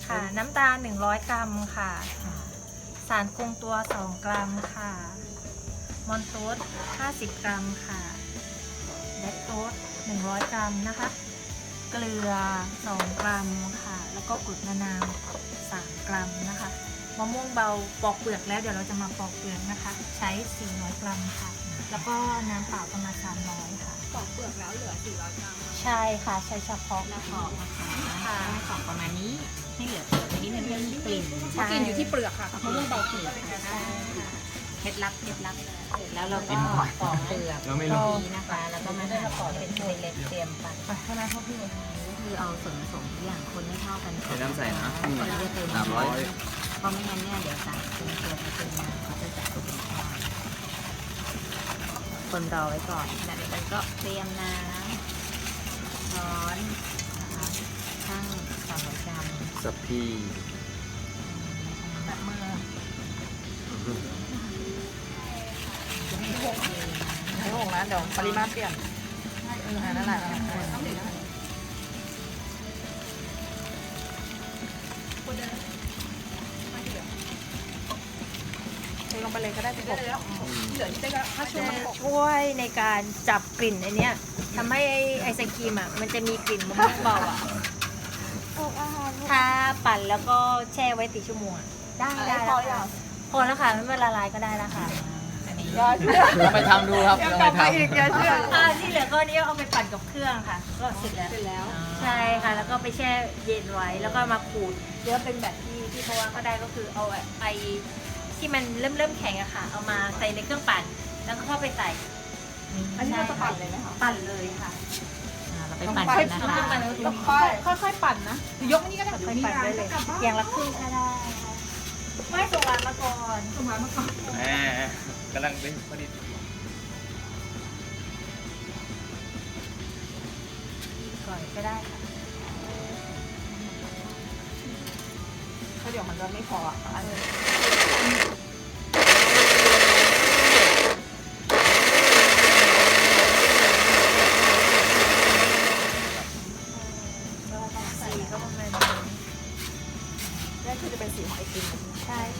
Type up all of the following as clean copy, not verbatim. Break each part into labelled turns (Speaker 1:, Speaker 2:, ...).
Speaker 1: ค่ะ น้ำตาล100 กรัมค่ะ สารคงตัว2 กรัมค่ะ มอนโตส50 กรัมค่ะแลคโตส100 กรัมนะคะ เกลือ2 กรัมค่ะ แล้วก็กรดมะนาว3 กรัมนะคะมะม่วงเบาปอกเปลือกแล้วเดี๋ยวเราจะมาปอกเปลือกนะคะ ใช้400 กรัมค่ะ แล้วก็น้ำเปล่าประมาณ300ค่ะ
Speaker 2: ปอกเปลือกแล้วเหลือ400 กรัม
Speaker 1: ใช่ค่ะใช้เฉพาะ
Speaker 3: แล้วปอกนะคะ
Speaker 1: ค่ะ
Speaker 3: ให้ปอกประมาณนี้ให้เหลือเปลือกไว้นิดนึงให้มีกลิ่น
Speaker 2: เพราะกลินอยู่ที่เปลือกค่ะมะม่วงเบาเปลือก
Speaker 1: ใช่ค่ะ
Speaker 3: เคล็ดลับเสร็จแล้วเราก็ปอกเปลือก
Speaker 4: เราไม่รู้
Speaker 3: นี้นะคะ แล้วก็มาหั่นให้เป็นเล็กๆเตรียมปั่น
Speaker 1: ไปข้างหน้าเขาพี่
Speaker 3: ก็คือเอาส่วนผสมทุกอย่างคนไม่เท่ากันก่อ
Speaker 4: เดี๋ยวน้ำใส่นะ
Speaker 3: ก่อนที่จะเติม
Speaker 4: 300
Speaker 3: เพราะไม่งั้นเนี่ยเดี๋ยวสารเป็นตัวจะเป็นน้ำเขาจะจับตัวเป็นก้อนคนรอไว้ก่อนขณะเดียวกันก็เตรียมน้ำร้อนนะคะตั้ง300 กรัม
Speaker 4: สับพี
Speaker 1: แบบมือ
Speaker 2: ไม่หกนะเดี๋ยวปริมาตรเปลี่ยนนั่นแหละเทลงไปเลยก็ได้สิผมเหลือที่จะถ้าช่วยมัน
Speaker 1: ช่วยในการจับกลิ่นอันเนี้ยทำให้ไอศครีมอ่ะมันจะมีกลิ่นมะม่วงเบาอ่ะถ้าปั่นแล้วก็แช่ไว้4 ชั่วโมงอะได้แล้วค่ะพอแล้วค่ะไม่เป็นละลายก็ได้แล้วค่ะ
Speaker 2: ยอด
Speaker 4: ลองไปทำดูครับลองไปทำ
Speaker 1: ที่เหลือก็นี้เอาไปปั่นกับเครื่องค่ะ ก็เสร็จแล้ว
Speaker 2: เสร็จแล้ว
Speaker 1: ใช่ค่ะ แล้วก็ไปแช่เย็นไว้แล้วก็มาขูดหรือว่าเป็นแบบที่เพราะว่าก็ได้ก็คือเอาไอที่มันเริ่มแข็งอะค่ะ เอามาใส่ในเครื่องปั่นแล้วก็เข้าไปใส่
Speaker 2: อันนี้เราจะปั่นเลยไหมคะ
Speaker 1: ปั่นเลยค่ะ
Speaker 3: เราไปปั่นกันนะคะ
Speaker 2: ต้องค่อยๆปั่นนะหรือยกอันนี้ก็ได้
Speaker 1: ค่อยๆปั่นได้เลย อย่างละครึ่งก็ได้ค่ะไม่ส่งร้านมาก่อน
Speaker 2: ส่งมาก่อน
Speaker 4: แหมกำลังเป็นพอดี
Speaker 1: ก่อนก็ได้ค่ะ
Speaker 2: เพราะเดี๋ยวมันจะไม่พออ่ะอันนี้
Speaker 1: สีก็ประมาณนี้
Speaker 2: นี่คือจะเป็นสีของไอติม
Speaker 1: ใช่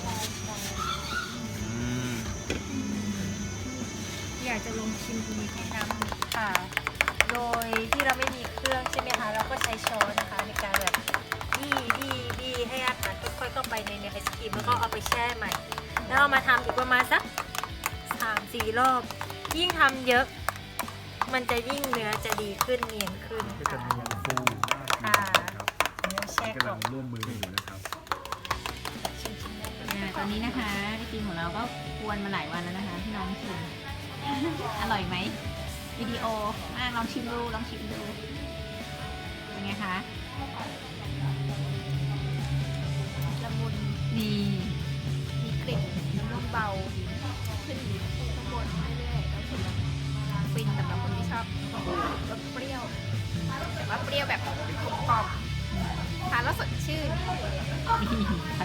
Speaker 1: อยากจะลองชิมดีแนะนำค่ะ โดยที่เราไม่มีเครื่องใช่ไหมคะ เราก็ใช้ช้อนนะคะในการแบบบี้ให้อาหารค่อยๆเข้าไปในไอศครีมแล้วก็เอาไปแช่ใหม่ แล้วเอามาทำอีกประมาณสัก3-4 รอบ ยิ่งทำเยอะ มันจะยิ่งเนื้อจะดีขึ้นเนียนขึ้น
Speaker 5: ก็จะ
Speaker 1: ค่ะ
Speaker 5: มีอย่างฟูมาก
Speaker 1: ค่ะเนื้อแช่
Speaker 5: กำ
Speaker 1: ก่
Speaker 5: ลั
Speaker 1: อง น
Speaker 5: ร่วมมือกันอยู่นะครับ
Speaker 1: ชิมได้เลย
Speaker 3: ตอนนี้นะคะไอติมของเราก็กวนมาหลายวันแล้วนะคะพี่น้องชิม อร่อยไหมวิดีโอลองชิมดูเป็นไงคะ
Speaker 1: ละมุน
Speaker 3: นี่
Speaker 1: มีกลิ่นน้ำนมเบาขึ้นข้างบนเรื่อยๆแล้วถึงฟินสำหรับคนที่ชอบรสเปรี้ยวแต่ว่าเปรี้ยวแบบกลมกล่อมทานแล้วสดชื่น
Speaker 3: นี่